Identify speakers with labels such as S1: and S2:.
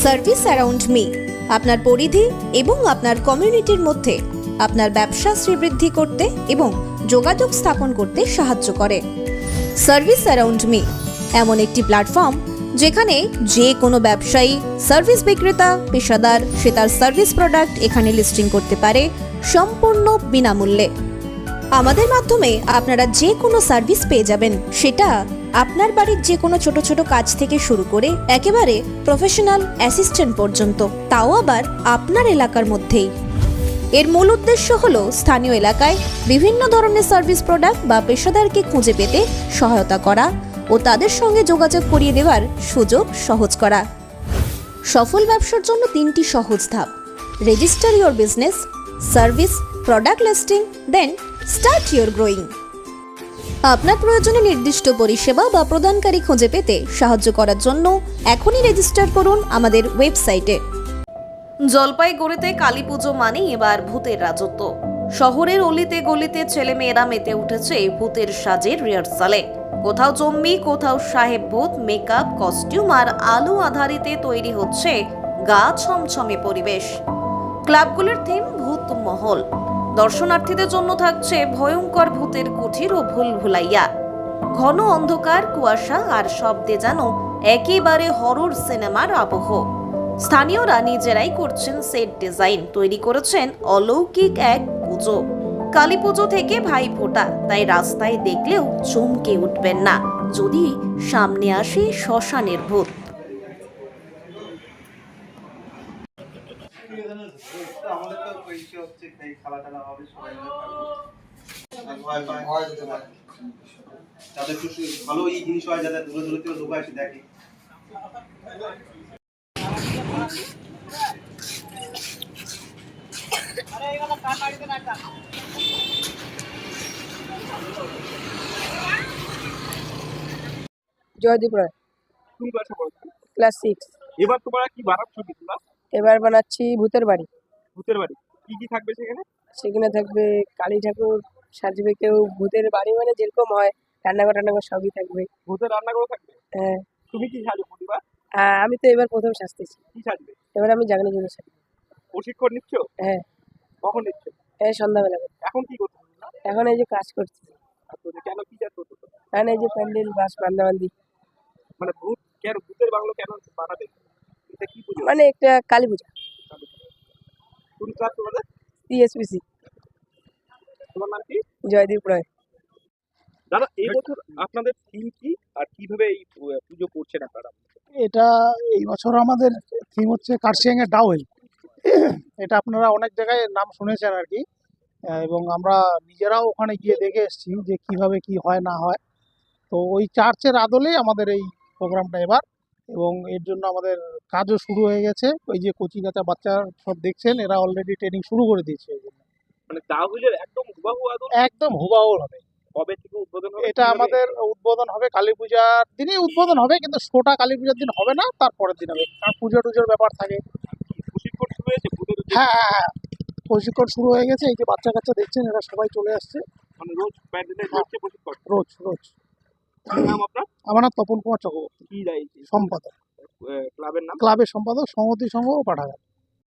S1: Service around me আপনার পরিধি এবং আপনার কমিউনিটির মধ্যে আপনার ব্যবসা শ্রীবৃদ্ধি করতে এবং যোগাযোগ স্থাপন করতে সাহায্য করে। সার্ভিস অ্যারাউন্ড মি এমন একটি প্ল্যাটফর্ম যেখানে যে কোনো ব্যবসায়ী, সার্ভিস বিক্রেতা, পেশাদার সে তার সার্ভিস প্রোডাক্ট এখানে লিস্টিং করতে পারে সম্পূর্ণ বিনামূল্যে। আমাদের মাধ্যমে আপনারা যে কোনো সার্ভিস পেয়ে যাবেন, সেটা আপনার বাড়ির যে কোনো ছোট ছোট কাজ থেকে শুরু করে একেবারে প্রফেশনাল অ্যাসিস্ট্যান্ট পর্যন্ত, তাও আবার আপনার এলাকার মধ্যেই। এর মূল উদ্দেশ্য হলো স্থানীয় এলাকায় বিভিন্ন ধরনের সার্ভিস প্রোডাক্ট বা পেশাদারকে খুঁজে পেতে সহায়তা করা ও তাদের সঙ্গে যোগাযোগ করিয়ে দেওয়ার সুযোগ সহজ করা। সফল ব্যবসার জন্য 3টি সহজ ধাপ: register your business, service, product listing, then start your growing. আপনার প্রয়োজনে নির্দিষ্ট পরিষেবা বা প্রদানকারী খুঁজে পেতে সাহায্য করার জন্য এখনই রেজিস্টার করুন আমাদের ওয়েবসাইটে। জলপাইগুড়িতে কালী পুজো মানেই এবার ভূতের রাজত্ব। শহরের অলিতে গলিতে ছেলেমেয়েরা মেতে উঠেছে ভূতের সাজের রিহার্সালে। কোথাও জম্বি, কোথাও সাহেব ভূত, মেকআপ, কস্টিউম আর আলো আধারিতে তৈরি হচ্ছে গা ছমছমে পরিবেশ। ক্লাবগুলোর থিম ভূত মহল। দর্শনার্থীদের জন্য থাকছে ভয়ঙ্কর ভূতের কুঠির ও ভুলভুলাইয়া। ঘন অন্ধকার, কুয়াশা আর শব্দে যেন একেবারে হরর সিনেমার আবহ। স্থানীয়রা নিজেরাই করছেন সেট ডিজাইন, তৈরি করেছেন অলৌকিক এক পুজো। কালী পুজো থেকে ভাই ফোঁটা, তাই রাস্তায় দেখলেও চমকে উঠবেন না যদি সামনে আসে শ্মশানের ভূত।
S2: আমাদের তো পরিচয় হচ্ছে এই খেলাটা হবে সবাই যাতে একটু ভালো এই জিনিস হয়, যাতে দূরে দূরে থেকে লোক এসে দেখে।
S3: জয়দীপ রায়,
S4: কোন ক্লাসে পড়ছো?
S3: ক্লাস 6।
S4: এবার তোমরা কি বানাচ্ছো কি তোমরা?
S3: এবার বানাচ্ছি ভূতের বাড়ি।
S4: ভূতের বাড়ি কি কি থাকবে সেখানে?
S3: সেখানে থাকবে কালী ঠাকুর সাজবে, কেউ ভূতের বাড়ি মানে যেরকম হয় রান্নাঘর টান্নাঘর সবই থাকবে।
S4: ভূতের রান্নাঘর থাকবে?
S3: হ্যাঁ।
S4: তুমি কি সাজো প্রতিবার?
S3: আমি তো এবার প্রথম সাজতেছি।
S4: কি সাজবে?
S3: এবার আমি জাগনি জন্য সাজবো।
S4: প্রশিক্ষণ নিচ্ছ?
S3: হ্যাঁ।
S4: কখন নিচ্ছ?
S3: এই সন্ধ্যাবেলা করে।
S4: এখন কি করছো তোমরা?
S3: এখন এই যে কাজ করছি।
S4: আচ্ছা, কেন কি কাজ করছো তোমরা?
S3: এখন এই যে প্যান্ডেল বাস বান্দাবান্দি,
S4: মানে ভূত কেন, ভূতের বাংলো কেন বানাবে? এটা কি পুজো?
S3: মানে একটা কালী পূজা।
S4: কোন ক্লাস তোমাদের?
S3: সিএসপিসি।
S4: তোমার নাম কি?
S3: জয়দীপ রায়।
S4: দাদা, এই বছর আপনাদের থিম কি আর কিভাবে এই পুজো করছেন আপনারা?
S5: এটা এই বছর আমাদের থিম হচ্ছে কার্শিয়াং এর ডাউল। এটা আপনারা অনেক জায়গায় নাম শুনেছেন আর কি, এবং আমরা নিজেরাও ওখানে গিয়ে দেখে এসেছি যে কিভাবে কি হয় না হয়। তো ওই চার্চের আদলেই আমাদের এই প্রোগ্রামটা এবার, এবং এর জন্য আমাদের কাজও শুরু হয়ে গেছে। ওই যে কচি কাঁচা বাচ্চা সব দেখছেন, এরা অলরেডি ট্রেনিং শুরু করে দিয়েছে। এই জন্য
S4: মানে দাহুলের একদম হুবাহু আদল?
S5: একদম হুবাহু হবে।
S4: কবে থেকে উদ্বোধন হবে?
S5: এটা আমাদের উদ্বোধন হবে কালী পূজার দিনই উদ্বোধন হবে, কিন্তু শোটা কালী পূজার দিন হবে না, তারপরের দিন হবে, কারণ পুজো টুজোর ব্যাপার থাকে।
S4: প্রশিক্ষণ শুরু হয়েছে ভূতের?
S5: হ্যাঁ হ্যাঁ হ্যাঁ, প্রশিক্ষণ শুরু হয়ে গেছে। এই যে বাচ্চা কাচ্চা দেখছেন, এরা সবাই চলে আসছে।
S4: মানে রোজ প্যান্ডেলে হচ্ছে প্রশিক্ষণ?
S5: রোজ রোজ।
S4: কি নাম আপনার?
S5: আমার নাম তপন কুমার চক্রবর্তী,
S4: কি দায়িত্ব?
S5: সম্পাদক,
S4: ক্লাবের নাম?
S5: ক্লাবের সম্পাদক, সংহতি সংঘ ও পাঠাগার।